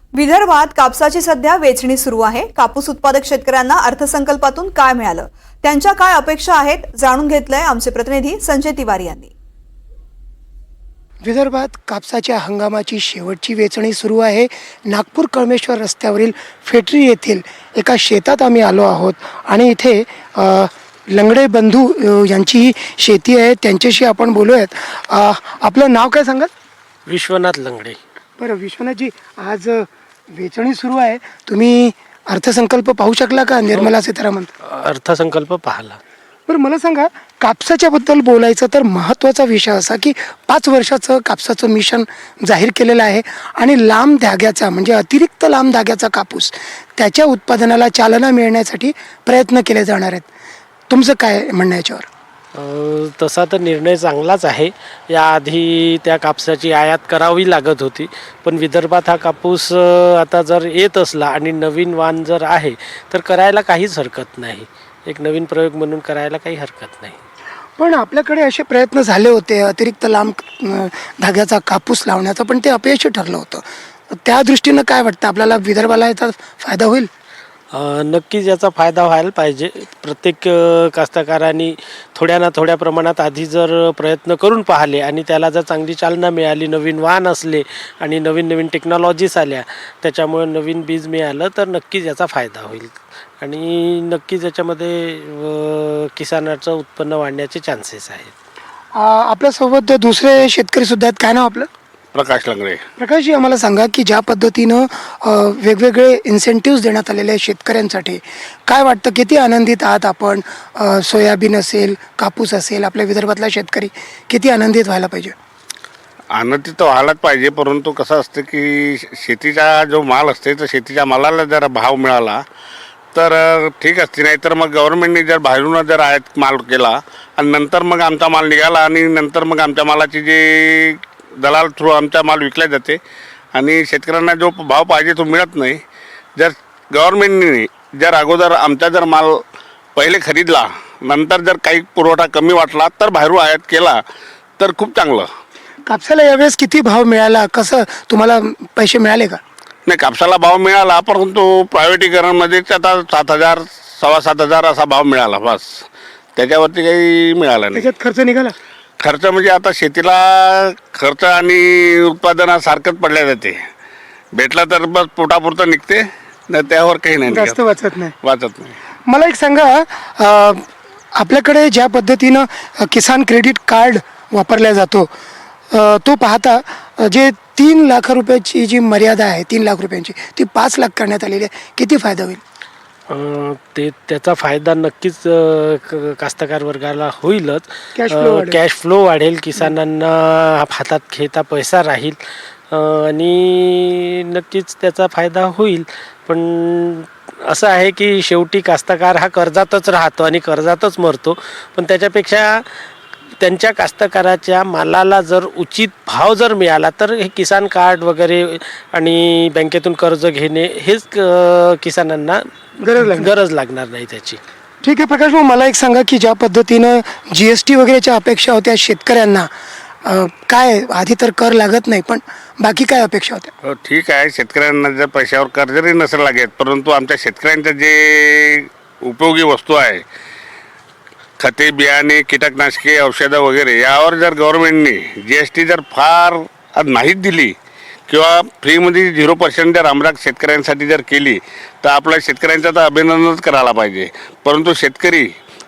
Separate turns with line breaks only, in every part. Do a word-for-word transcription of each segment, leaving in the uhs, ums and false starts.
विदर्भात कापसाची सध्या वेचणी सुरू आहे। कापूस उत्पादक शेतकऱ्यांना अर्थसंकल्पातून काय मिळालं, त्यांच्या काय अपेक्षा आहेत, जाणून घेतलंय आमचे प्रतिनिधी संजय तिवारी यांनी।
विदर्भात कापसाच्या हंगामाची शेवटची वेचणी सुरू आहे। नागपूर कळमेश्वर रस्त्यावरील फेटरी येथील एका शेतात आम्ही आलो आहोत आणि इथे अ, लंगडे बंधू अ, यांची ही शेती आहे, त्यांच्याशी आपण बोलूयात। अ, आपलं नाव काय सांगाल?
विश्वनाथ लंगडे।
बरं विश्वनाथजी, आज अ, वेचणी सुरू आहे, तुम्ही अर्थसंकल्प पाहू शकला का निर्मला सीतारामन?
अर्थसंकल्प पाहला।
बरं मला सांगा, कापसाच्या बद्दल बोलायचं तर महत्त्वाचा विषय असा की पाच वर्षाचं कापसाचं मिशन जाहीर केलेलं आहे आणि लांब धाग्याचा म्हणजे अतिरिक्त लांब धाग्याचा कापूस त्याच्या उत्पादनाला चालना मिळण्यासाठी प्रयत्न केले जाणार आहेत। तुमचं काय म्हणणं याच्यावर?
अ, तसा तर निर्णय चांगलाच आहे। याआधी त्या कापसाची आयात करावी लागत होती, पण विदर्भात हा कापूस अ, आता जर येत असला आणि नवीन वाण जर आहे तर करायला काहीच हरकत नाही। एक नवीन प्रयोग म्हणून करायला काही हरकत नाही।
पण आपल्याकडे असे प्रयत्न झाले होते अतिरिक्त लांब अ, धाग्याचा कापूस लावण्याचा, पण ते अपयशी ठरलं होतं। त्या दृष्टीनं काय वाटतं आपल्याला, विदर्भाला याचा फायदा होईल?
अ, नक्कीच याचा फायदा व्हायला पाहिजे। प्रत्येक अ, कास्तकारांनी थोड्या ना थोड्या प्रमाणात आधी जर प्रयत्न करून पाहिले आणि त्याला जर चांगली चालना मिळाली, नवीन वाण असले आणि नवीन नवीन टेक्नॉलॉजीज आल्या, त्याच्यामुळे नवीन बीज मिळालं तर नक्कीच याचा फायदा होईल आणि नक्कीच याच्यामध्ये अ, किसानाचं उत्पन्न वाढण्याचे चान्सेस आहेत।
अ, आपल्यासोबत दुसरे शेतकरी सुद्धा आहेत, काय नाव आपलं?
प्रकाश लंगडे।
प्रकाशजी, आम्हाला सांगा की ज्या पद्धतीनं अ, वेगवेगळे इन्सेंटिव्ज देण्यात आलेले आहेत शेतकऱ्यांसाठी, काय वाटतं, किती आनंदित आहात आपण? अ, सोयाबीन असेल, कापूस असेल, आपल्या विदर्भातला शेतकरी किती आनंदित व्हायला पाहिजे?
आनंदित तर व्हायलाच पाहिजे, परंतु कसं असतं की शेतीचा जो माल असते तर शेतीच्या मालाला जर भाव मिळाला तर अ, ठीक असते, नाही तर मग गव्हर्नमेंटने जर बाहेरून जर आयात माल केला आणि नंतर मग आमचा माल निघाला आणि नंतर मग आमच्या मालाची जे दलाल थ्रू आमचा माल विकला जाते आणि शेतकऱ्यांना जो भाव पाहिजे तो मिळत नाही। जर गव्हर्नमेंटने जर अगोदर आमचा जर माल पहिले खरीदला, नंतर जर काही पुरवठा कमी वाटला तर बाहेरून आयात केला तर खूप चांगलं।
कापसाला यावेळेस किती भाव मिळाला, कसं तुम्हाला पैसे मिळाले का?
नाही, कापसाला भाव मिळाला, परंतु प्रायव्हेटीकरणमध्येच आता सात हजार सव्वा सात हजार असा भाव मिळाला, बस त्याच्यावरती काही मिळालं नाही।
त्याच्यात खर्च निघाला?
खर्च म्हणजे आता शेतीला खर्च आणि उत्पादनासारखंच पडल्या जाते, भेटला तर बस पोटापुरतं निघते, नाही त्यावर काही नाही
जास्त
निघत,
वाचत नाही।
वाचत नाही।
मला एक सांगा, अ, आपल्याकडे ज्या पद्धतीनं अ, किसान क्रेडिट कार्ड वापरला जातो, अ, तो पाहता अ, जे तीन लाख रुपयाची जी मर्यादा आहे, तीन लाख रुपयांची, ती पाच लाख करण्यात आलेली आहे, किती फायदा होईल?
अ, ते त्याचा फायदा नक्कीच अ, क- कास्तकार वर्गाला होईलच।
Cash flow वाढेल.
कॅश फ्लो वाढेल, किसानांना हातात खेळता पैसा राहील अ, आणि नक्कीच त्याचा फायदा होईल। पण असं आहे की शेवटी कास्तकार हा कर्जातच राहतो आणि कर्जातच मरतो, पण त्याच्यापेक्षा त्यांच्या कास्तकाराच्या मालाला जर उचित भाव जर मिळाला तर हे किसान कार्ड वगैरे आणि बँकेतून कर्ज घेणे हेच अ, किसानांना
गरज लागणार.
गरज लागणार नाही त्याची।
ठीक आहे प्रकाश भाऊ, मला एक सांगा की ज्या पद्धतीनं जी एस टी वगैरेच्या अपेक्षा होत्या शेतकऱ्यांना, अ, काय आधी तर कर लागत नाही, पण बाकी काय अपेक्षा होत्या?
हो ठीक आहे, शेतकऱ्यांना जर पैशावर कर्ज जरी नसेल लागत, परंतु आमच्या शेतकऱ्यांच्या जे उपयोगी वस्तू आहे, खते, बियाणे, कीटकनाशके, औषधं वगैरे, यावर जर गव्हर्नमेंटने जी एस टी जर फार नाहीच दिली किंवा फ्रीमध्ये झिरो पर्सेंट जर आमराग शेतकऱ्यांसाठी जर केली तर आपल्या शेतकऱ्यांचं तर अभिनंदनच करायला पाहिजे। परंतु शेतकरी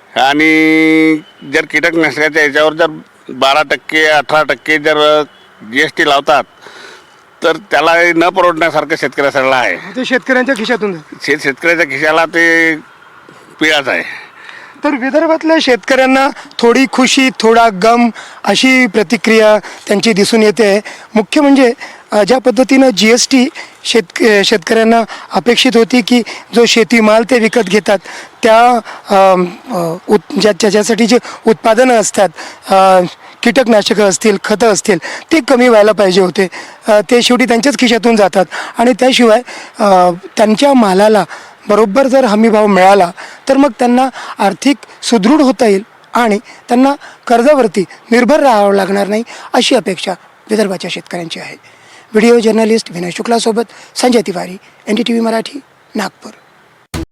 आणि जर कीटकनाशकाच्या याच्यावर जर बारा टक्के अठरा टक्के जर जी एस टी लावतात तर त्याला न परवडण्यासारखं शेतकऱ्यासाठी आहे।
ते शेतकऱ्यांच्या खिशातून जातं.
शेत शेतकऱ्याच्या खिशाला ते पिळाच आहे।
तर विदर्भातल्या शेतकऱ्यांना थोडी खुशी, थोडा गम अशी प्रतिक्रिया त्यांची दिसून येते। मुख्य म्हणजे अ, ज्या पद्धतीनं जी एस टी शेतक शेतकऱ्यांना अपेक्षित होती की जो शेतीमाल ते विकत घेतात त्या अम, अ, उत ज्या ज्याच्यासाठी जे उत्पादनं असतात, अ, कीटकनाशकं असतील, खतं असतील, ते कमी व्हायला पाहिजे होते, अ, ते शेवटी त्यांच्याच खिशातून जातात आणि त्याशिवाय अ, त्यांच्या मालाला बरोबर जर हमीभाव मिळाला तर मग त्यांना आर्थिक सुदृढ होता येईल आणि त्यांना कर्जावरती निर्भर राहावं लागणार नाही, अशी अपेक्षा विदर्भाच्या शेतकऱ्यांची आहे। व्हिडिओ जर्नलिस्ट विनय शुक्लासोबत Sanjay Tiwari, N D T V Marathi, Nagpur.